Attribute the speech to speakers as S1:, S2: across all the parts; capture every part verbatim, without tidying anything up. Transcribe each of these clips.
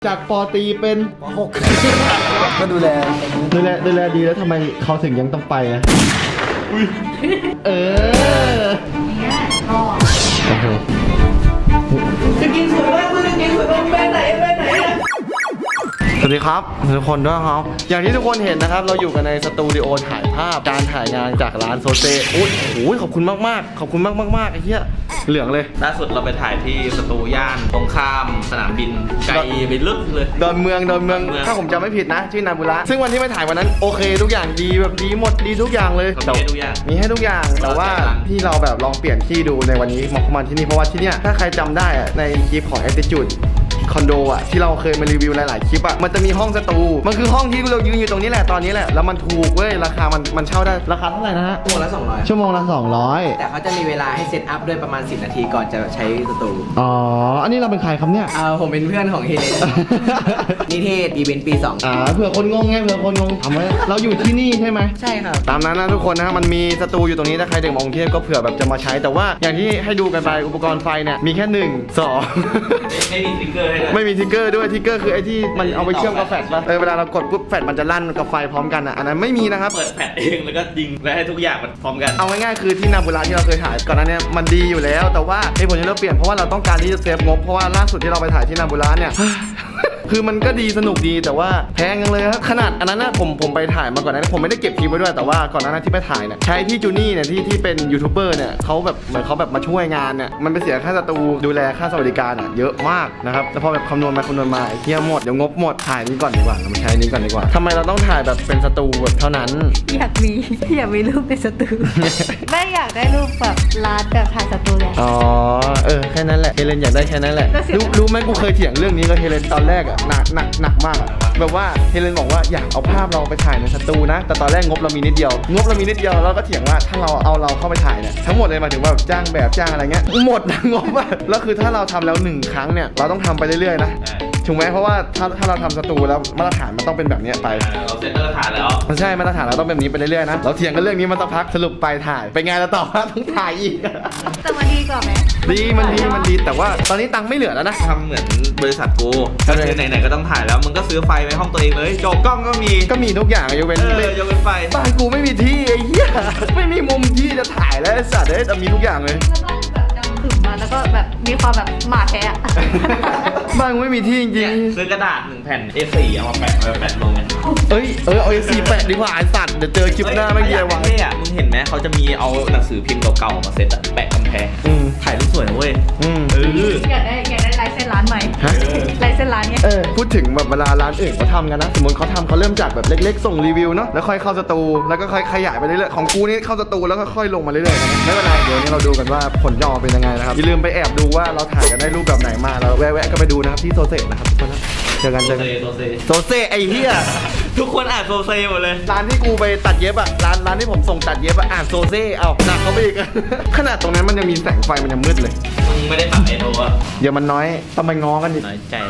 S1: จากปอตีเป็นปหก
S2: ก็ดูแล
S1: ดูแลดูแลดีแล้วทำไมเขาถึงยังต้องไปอ่ะเออเนี่ยพ่อโอ้โหจะกินสวยมากคุณจะกินสวยมากไปไหนไปไหนสวัสดีครับทุกคนด้วยครับอย่างที่ทุกคนเห็นนะครับเราอยู่กันในสตูดิโอถ่ายภาพการถ่ายงานจากร้านโซเซอุ้ยโอ้ยขอบคุณมากๆขอบคุณมากมากๆไอ้เหี้ยเหลืองเลย
S3: ล่าสุดเราไปถ่ายที่สตูย่านตรงข้ามสนามบินไกลไปลึกเลย
S1: ดอนเมืองดอนเมืองถ้าผมจำไม่ผิดนะชื่อนาบุระซึ่งวันที่ไปถ่ายวันนั้นโอเคทุกอย่างดีแบบดีหมดดีทุกอย่างเลย
S3: มีให้ทุกอย่าง
S1: มีให้ทุกอย่างแต่ว่าที่เราแบบลองเปลี่ยนที่ดูในวันนี้มาเข้ามาที่นี่เพราะว่าที่เนี่ยถ้าใครจำได้อะในคลิปของ Attitudeคอนโดอ่ะที่เราเคยมารีวิวหลายๆคลิปอ่ะมันจะมีห้องสตูมันคือห้องที่เรายืนอยู่ตรงนี้แหละตอนนี้แหละแล้วมันถูกเว้ยราคามันมันเช่าได้ราคาเท่าไหร่นะฮะ
S2: ชั่วโมงละสองร้อย
S1: ชั่วโมงละสองร้อย
S2: แต่เขาจะมีเวลาให้เซตอัพด้วยประมาณสิบนาทีก่อนจะใช้สตู
S1: อ๋ออันนี้เราเป็นใครครับเนี่ย
S2: เออผมเป็นเพื่อนของเฮเลนนิเทศอีเวนต์ปีสอง
S1: อ่าเผื่อคนงงไงเผื่อคนงงถามว่าเราอยู่ที่นี่ใช่ไหม
S2: ใช่ครับ
S1: ตามนั้นนะทุกคนนะมันมีสตูอยู่ตรงนี้ถ้าใครเด็กมองเทพก็เผื่อแบบจะมาใช้แต่ว่าอย่างที่ให้ดูกันไปอุปกรณ์ไฟเนี่ยมีแค่หนึ่งสอง
S3: ไม่มีทิกเกอร์ให้ด้วย
S1: ไม่มีทิกเกอร์ด้วยทิกเกอร์คือไอ้ที่มันเอาไปเชื่อมกับแฟลชป่ะเออเวลาเรากดปุ๊บแฟลชมันจะลั่นกับไฟพร้อมกันอ่ะอันนั้นไม่มีนะครับ
S3: เปิดแฟลชเองแล้วก็ยิงแล้วให้ทุกอย่างมันพร้อมกัน
S1: เอาง่ายๆคือที่นาบุระที่เราเคยถ่ายก่อนหน้านี้มันดีอยู่แล้วแต่ว่าไอ้ผลที่เราเปลี่ยนเพราะว่าเราต้องการที่จะเซฟงบเพราะว่าล่าสุดที่เราไปถ่ายที่นาบุระเนี่ยคือมันก็ดีสนุกดีแต่ว่าแพงจังเลยครับขนาดอันนั้นนะผมผมไปถ่ายมาก่อนนะผมไม่ได้เก็บคลิปไว้ด้วยแต่ว่าก่อนหน้านั้นที่ไปถ่ายเนี่ยใช้พี่จูนี่เนี่ยที่ที่เป็นยูทูบเบอร์เนี่ยเขาแบบเหมือนเขาแบบมาช่วยงานเนี่ยมันไปเสียค่าสตูดูแลค่าสวัสดิการอ่ะเยอะมากนะครับแล้วพอแบบคำนวณมาคำนวณมาเที่ยหมดเดี๋ยวงบหมดถ่ายนี้ก่อนดีกว่าเรามาใช้นี้ก่อนดีกว่าทำไมเราต้องถ่ายแบบเป็นสตูแบบเท่านั้น
S4: อยากมีอยากมีรูปในสตูไม่อยากได้รูปแบบร้านแบบถ่ายสตูเลย
S1: อ๋อเออแค่นั้นแหละเฮเลนอยากได้แค่นั้นแหละรู้รู้ไหมกูเคยเถียงเรื่องนี้กับเฮเลนตอนแรกอ่ะหนักหนักหนักมากแบบว่าเฮเลนบอกว่าอยากเอาภาพเราไปถ่ายในสตูนะแต่ตอนแรกงบเรามีนิดเดียวงบเรามีนิดเดียวเราก็เถียงว่าถ้าเราเอาเราเข้าไปถ่ายเนี่ยทั้งหมดเลยหมายถึงว่าจ้างแบบจ้างอะไรเงี้ยหมดนะงบอ่ะแล้วคือถ้าเราทำแล้วหนึ่งครั้งเนี่ยเราต้องทำไปเรื่อยๆนะถูกไหมเพราะว่าถ้าถ้าเราทำสตูแล้วมาตรฐานมันต้องเป็นแบบนี้ไป
S3: เราเซ็ตมาตรฐานแล้ว
S1: มันใช่มาตรฐานเราต้องเป็นแบบนี้ไปเรื่อยๆนะเราเถียงกันเรื่องนี้มาสักพักสรุปไปถ่ายไปไงเราตอบว่าต้องถ่ายอีก
S4: แต่มันดีกว่าไหม
S1: ดีมันดีมันดีแต่ว่าตอนนี้ตังค์ไม่เหลือแล้วนะ
S3: ทำเหมือนบริษัทกูก็คือไหนๆก็ต้องถ่ายแล้วมึงก็ซื้อไฟไว้ห้องตัวเองเลยจบกล้องก็มี
S1: ก็มีทุกอย่างยกเว้น
S3: เออยกเว้นไฟ
S1: บ้านกูไม่มีที่ไอ้เหี้ยไม่มีมุมที่จะถ่ายแล้วไอ้สัตว์เอ้ยแต่มีทุกอย่างเลย
S4: ถึงมาแล้วก็แบบมีความแบบหมาแท้
S1: บ้านกูไม่มีที่จริง
S3: ๆซื้อกระดาษหนึ่งแผ่น เอ สี่ เอามาแปะมาแปะลงกัน
S1: เอ้ยเออเอา เอ สี่ แปะดีกว่าไอ้สัตว์เดี๋ยวเจอคลิปหน้าไม่เยี่ยวะ
S3: เฮ้ยอ่ะมึงเห็นไหมเขาจะมีเอาหนังสือพิมพ์เก่าๆมาเซ็ตแปะกำแพงถ่ายรูปสวยนะเว้ย
S1: เอ
S4: ออยากได้อยากได้ลายเส้นร้านใหม่ลายเส้นร้านเนี้ย
S1: เออพูดถึงแบบเวลาร้านอื่นเขาทำกันนะสมมติเขาทำเขาเริ่มจากแบบเล็กๆส่งรีวิวเนาะแล้วค่อยเข้าสตูแล้วก็ค่อยขยายไปเรื่อยๆของกูนี่เข้าสตูแล้วก็ค่อยลงมาเรื่อยๆไม่เป็นไรเดี๋ยวนี้เราดูกันว่าผลจะออกเป็นยังไงนะครับอย่าลืมไปแอบดูว่าเราถ่ายกันได้รูปแบบไหนมาแล้วแวะๆก็ไปดูนะครับที่โซเซนะครับทุกคนนะเจอกันเจอกัน
S3: โซเซ
S1: โซเซไอ้เหี้ย
S3: ทุกคนอ่านโซเซหมดเลย
S1: ร้านที่กูไปตัดเย็บอะร้านร้านที่ผมส่งตัดเย็บอะอ่านโซเซเอาหนักเขาไปอีกขนาดตรงนั้นมันยังมีแสงไฟมันยังมืดเลย
S3: มึงไม่ได้ปรับไอโทอะ
S1: เดี๋ยวมันน้อยต้องไปง้อกันดิ
S3: น้อยใจ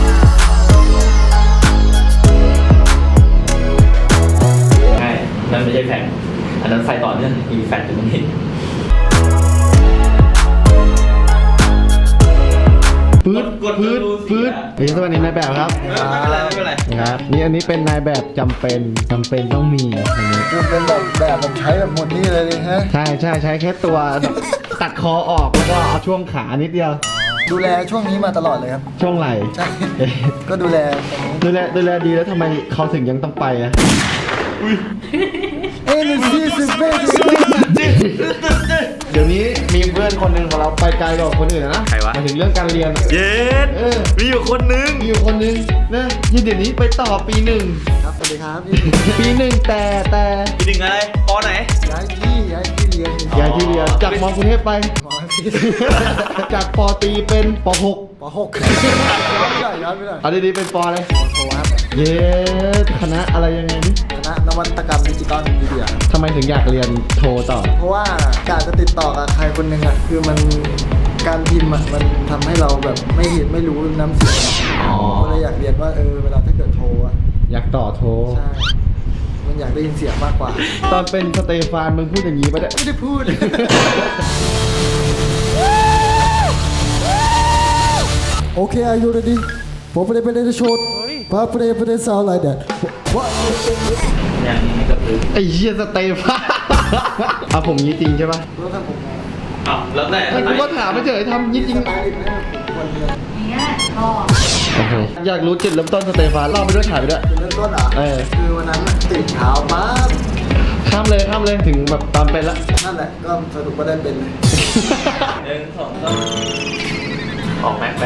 S3: ใช่นั่นไม่ใช่แผ่นอันนั้นไฟต่อเนื่องมีแฟลชอยู่ตรงนี้
S1: ปื๊ดปื๊ดปื๊ดเฮ้ยสวัสดีนายแบบครับ
S3: ไม่เป็นไรไม่เป็นไร
S1: ครับนี่อันนี้เป็นนายแบบจำเป็นจำเป็นต้องมีอันนี้
S2: คือเป็นแบบแบบผมใช้แบบหมดนี่เลยฮะ
S1: ใช่ใช่ใช้แค่ตัวตัดคอออกแล้วก็เอาช่วงขานิดเดียว
S2: ดูแลช่วงนี้มาตลอดเลยครับ
S1: ช่วงไหล่
S2: ใช่ก็ดูแล
S1: ดูแลดูแลดีแล้วทำไมเขาถึงยังต้องไปอ่ะ
S2: เอ็นซีสิบเอ็ด
S1: เดี๋ยวนี้มีเพื่อนคนหนึ่งของเราไปไกลกว่าคนอื่นนะ
S3: ใครวะ
S1: มาถึงเรื่องการเรียน
S3: เย็ดมีอยู่คนนึง
S1: มีอยู่คนนึงนะยี่เดี๋ยวนี้ไปต่อปีหนึ่ง
S2: ครับสวัสดีครับ
S1: ปีหนึ่งแต่แต่
S3: ปีหนึ่งอะไรปอไหน
S2: ย้ายที่ย้ายที่เรียน
S1: ย้ายที่เรียนจากมกรุงเทพไปจากปอตีเป็นปหก
S2: ปหกย้อนไม่ได้ย้อนไม่ได้
S1: เอาดีๆเป็นปออะไร
S2: ปโทครับ
S1: เย้คณะอะไรยังไงนี่
S2: คณะนวัตกรรมดิจิตอลมีเดีย
S1: ทำไมถึงอยากเรียนโทต่อ
S2: เพราะว่าการจะติดต่อกับใครคนหนึ่งอ่ะคือมันการพิมพ์อ่ะมันทำให้เราแบบไม่เห็นไม่รู้น้ำเสียงก็เลยอยากเรียนว่าเออเวลาถ้าเกิดโทรอ่ะ
S1: อยากต่อโท
S2: ใช่มันอยากได้ยินเสียงมากกว่า
S1: ตอนเป็นสเตฟานมึงพูดอย่างนี้ปะเนี่ย
S2: ไม่ได้พูดโอเค are you ready ผมไม่ได้ไม่ได้โชดพาไม่ได้ไม่ได้ซาวอะไรเด็ดว่า
S3: อย่างนี้ก็คือ
S1: ไอ้เหี้ยสเตฟานอ่ะผมงี้จริงใช่ปะ
S2: แล้วถ้าผม
S3: อ้าวแล้วแต่
S1: ไอ้กูก็ถามไม่เฉยทำงี้จริง
S2: สไตล์เนี่ยคนเดียว
S4: อย่างเงี้ยก็
S1: โอเคอยากรู้จุดเริ่มต้นสเตฟานเล่าไปด้วยถ่ายไปด้วย
S2: จุดเริ่มต้นอ่ะ
S1: เออ
S2: คือวันนั้นน่ะตื่นเช้ามา
S1: ข้ามเลยข้ามเลยถึงแบบตอนเป็นละ
S2: นั่นแหละก็สรุปว่าได้เป็นเลย
S3: หนึ่งสองสามออกแม็กแบบ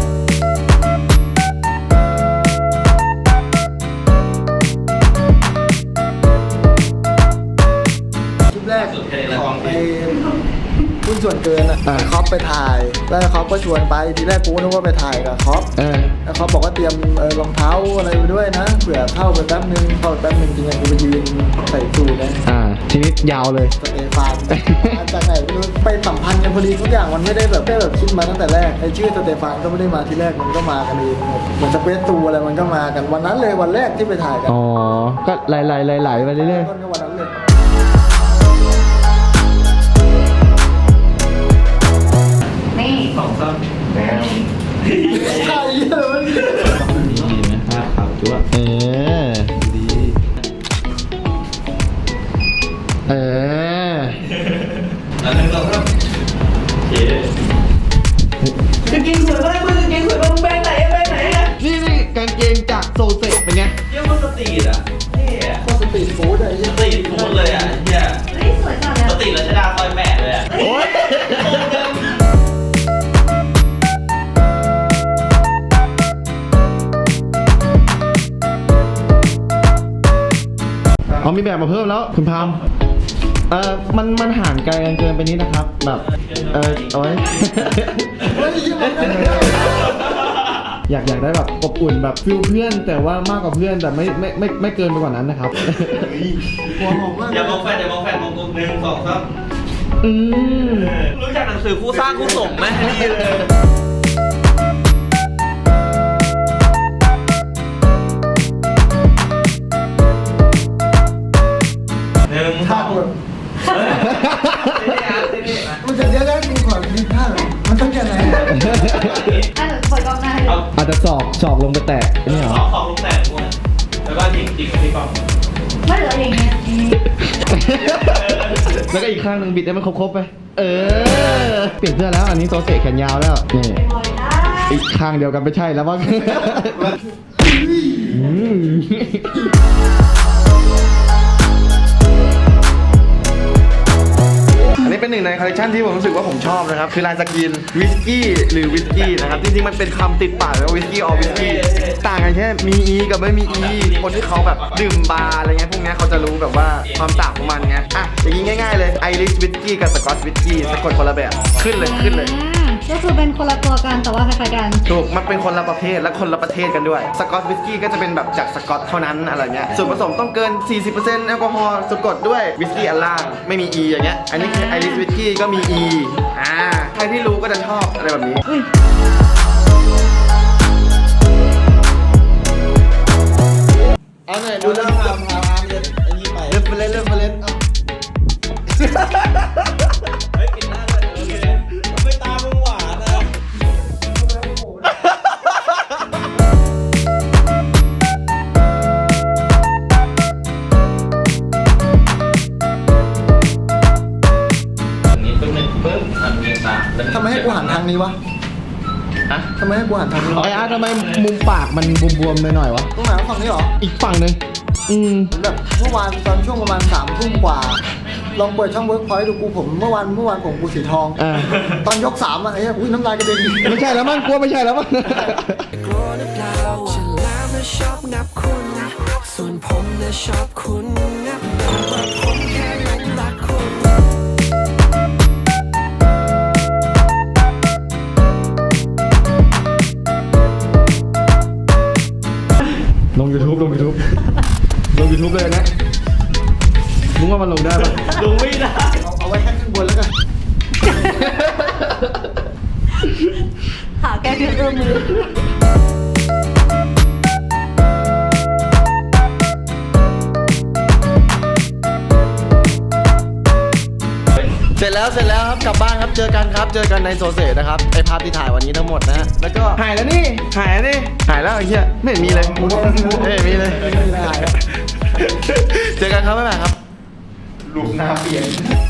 S2: คลิปแรกของไอ้หุ้นส่วนเกินอ่ะไอ้คอปไปถ่ายแล้วไอ้คอปก็ชวนไปทีแรกกูนึกว่าไปถ่ายกับคอป
S1: เออ
S2: แล้วเขาบอกว่าเตรียมเอ่อรองเท้าอะไรไปด้วยนะเผื่อเข้าไปแป๊บนึงเข้าไปแป๊บนึงจริงๆกูไปยืนใส่สูทนะ
S1: อ่าทีนี้ยาวเลย
S2: สเตฟานมาจากไหนไม่รู้ไปสัมพันธ์กันพอดีทุกอย่างมันไม่ได้แบบไม่ได้แบบคิดมาตั้งแต่แรกไอ้ชื่อสเตฟานก็ไม่ได้มาทีแรกมันก็มากันเองเหมือนสเปซตูอะไรมันก็มากันวันนั้นเลยวันแรกที่ไปถ่ายกัน
S1: อ๋อก็ไหลไหลไหลไหลไปเรื่อย
S2: ต้นก็วันนั้นเลย
S4: นี่
S3: สองสามแล้
S2: ใช่เลยมัน
S3: ดีไหมภาพขาวจั๊ว
S1: ๆเออ
S3: ดี
S1: เออ
S3: อันหนึ่งสองสามโอเคกางเกงสวยมากมึงกางเกงสวยมากมึงแบรนด์ไหนอะแบรนด์ไหนอะ
S1: นี่นี่กางเกงจากโซเซเป็นไง
S3: เยี่ยมมันสตรีทอะเท่อะ
S2: โคตรสตรีทฟู้ดอะไอ้เหี้
S3: ส
S2: ย
S3: ตรีทฟู้ดเลยอะเฮีย
S4: เฮ้ยสวยจังเลย
S3: สตรีทรัชดาซอยแปดเลยอะ
S1: โอ๊ย เอามีแบบมาเพิ่มแล้วคุณพามเออมันมันห่างไกลกันเกินไปนิดนะครับ แบบ เออเอาไว้
S2: เฮ้ยยี่มันกัน
S1: อยากอยากได้แบบอบอุ่นแบบฟิลเพื่อน แต่ว่ามากกว่าเพื่อนแต่ไม่ไม่ไม่ไม่เกินไปกว่านั้นนะครับ
S2: หัวหอมมาก
S3: อย่ามองแฟนอย่ามองแฟนมองกลมหนึ่งสองสาม
S1: อืม
S3: รู้จักหนังสือคู่สร้างคู่สมไหมนี่เลย หนึ่งส
S2: ท่า
S3: อง
S2: แบบ
S3: เฮ้ยเท่อะเท่อะ
S2: มันจะเยอะแล้วมีขอมีท่าแบบมันต้องแค่ไหน
S4: อ่ะเดี๋ยวเปิดกล้องหน้าให้ดู
S3: เอา
S1: อาจจะสอกสอกลงไปแตะนี่เหร
S3: ส
S1: อ
S3: องสองลงแต่งวนแล้วก็จิกจิกที่กล้อง
S4: ไม่เหลืออย่างเงี้ยอย่างงี้
S1: แล้วก็อีกข้างหนึ่งบิดให้มันครบๆไป เออ เปลี่ยนเสื้อแล้วอันนี้โซเซแขนยาวแล้วนี่
S4: ปล่อยได้
S1: อีกข้างเดียวกันไม่ใช่แล้วว่า อืมอันนี้เป็นหนึ่งในคอลเลคชันที่ผมรู้สึกว่าผมชอบนะครับ คือลายสกรีนวิสกี้หรือวิสกี้นะครับ จริงๆ มันเป็นคำติดปากเลยว่าวิสกี้ออวิสกี้ต่างกันแค่มีอีกับไม่มีอีคนที่เขาแบบดื่มบาร์อะไรเงี้ยพวกเนี้ยเขาจะรู้แบบว่าความต่างของมันไงอ่ะอย่างนี้ง่ายๆเลยไอริชวิสกี้กับสกอตวิสกี้สะกดคนละแบบขึ้นเลยขึ้นเลย
S4: อืมก็คือเป็นคนละตัวกันแต่ว่าคล้ายๆกัน
S1: ถูกมันเป็นคนละประเภทและคนละประเทศกันด้วย สกอตวิสกี้ก็จะเป็นแบบจากสกอตเท่านั้นอะไรเงี้ย ส่วนผสมต้องเกิน สี่สิบเปอร์เซ็นต์ แอลกอฮอล์สะกดด้วยวิสกี้อันล่าง ไม่มี E อย่างเงี้ย อันนี้คือไอริสวิสกี้ก็มี E อ่า ใครที่รู้ก็จะชอบอะไรแบบนี้ เอาหน่อยดูแล้วพาพาพาเล่นไอ้นี่ไปเล่นไปเล่นเล่นไปเล่นเอา
S3: เฮ้ยกินหน้าเลยโอเคไม่ตามึงหวานนะอันนี้ปึ๊บหนึ่งปึ๊บอันนี้ตา
S2: ทำไมให้กูหันทางนี้วะ
S3: ฮะ
S2: ทำไมให้กูหันทางนี้วะ
S1: ไออาร์ตทำไมมุมปากมันบวมๆหน่อยๆวะ
S2: ตรงไหนวะฝั่งนี้เหรอ
S1: อีกฝั่งหนึ่งอืม
S2: เหมือนแบบเมื่อวานตอนช่วงประมาณสามทุ่มกว่า ลองเปิดช่องเวิร์กพอยต์ดูกูผมเมื่อวานเมื่อวานผมกูสีทอง
S1: อ่า
S2: ตอนยกสามอะไอ้เหี้ยอุ้ยน้ำลายกระเด็น
S1: ไม่ใช่แล้วมั้งกลัวไม่ใช่แล้วมั้ง
S5: กลัวหรือเปล่าฉันแล้วนะชอบนับคุณ ส่วนผมนะชอบคุณนับแต่ว่าผมแค่หลงรักคุณ
S1: ลง YouTube ลง YouTube ลง YouTube เลยนะมึงว่ามันลงได้ปะ
S3: ลงไม่ได้
S2: เอาเอาไว้แค่ข้างบนแล้วกัน
S4: หาแก้เพื่อนมือ
S1: เสร็จแล้วเสร็จแล้วครับกลับบ้านครับเจอกันครับเจอกันในโซเซนะครับไอภาพที่ถ่ายวันนี้ทั้งหมดนะฮะแล้วก็หายแล้วนี่หายแล้วนี่หายแล้วไอ้เหี้ยไม่เห็นมีเลยไม่เห็นมีเลย
S2: ไม่ได้
S1: เจอกันครับบ๊ายบายครับ
S3: ลูกหน้าเปลี่ยน